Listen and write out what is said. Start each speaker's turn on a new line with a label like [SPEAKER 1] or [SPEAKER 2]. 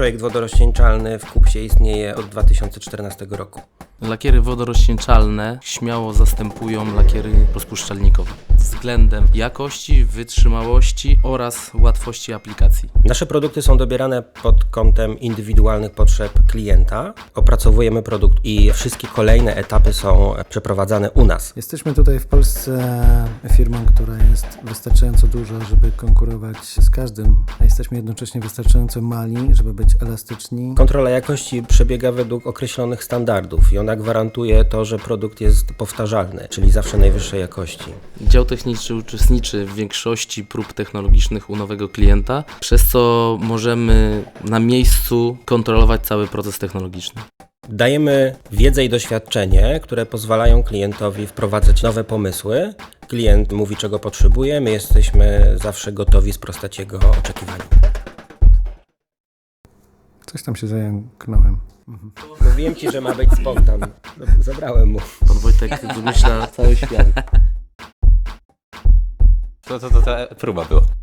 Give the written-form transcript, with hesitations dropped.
[SPEAKER 1] Projekt wodorozcieńczalny w Kupsie istnieje od 2014 roku.
[SPEAKER 2] Lakiery wodorozcieńczalne śmiało zastępują lakiery rozpuszczalnikowe względem jakości, wytrzymałości oraz łatwości aplikacji.
[SPEAKER 1] Nasze produkty są dobierane pod kątem indywidualnych potrzeb klienta. Opracowujemy produkt i wszystkie kolejne etapy są przeprowadzane u nas.
[SPEAKER 3] Jesteśmy tutaj w Polsce firmą, która jest wystarczająco duża, żeby konkurować z każdym, a jesteśmy jednocześnie wystarczająco mali, żeby być elastyczni.
[SPEAKER 1] Kontrola jakości przebiega według określonych standardów i ona gwarantuje to, że produkt jest powtarzalny, czyli zawsze najwyższej jakości.
[SPEAKER 2] Dział techniczny uczestniczy w większości prób technologicznych u nowego klienta, przez co możemy na miejscu kontrolować cały proces technologiczny.
[SPEAKER 1] Dajemy wiedzę i doświadczenie, które pozwalają klientowi wprowadzać nowe pomysły. Klient mówi, czego potrzebuje, my jesteśmy zawsze gotowi sprostać jego oczekiwaniom.
[SPEAKER 3] Coś tam się zająknąłem.
[SPEAKER 1] Mówiłem ci, że ma być spontan. Zabrałem mu.
[SPEAKER 2] Pan Wojtek wymyśla cały świat.
[SPEAKER 4] To ta próba była.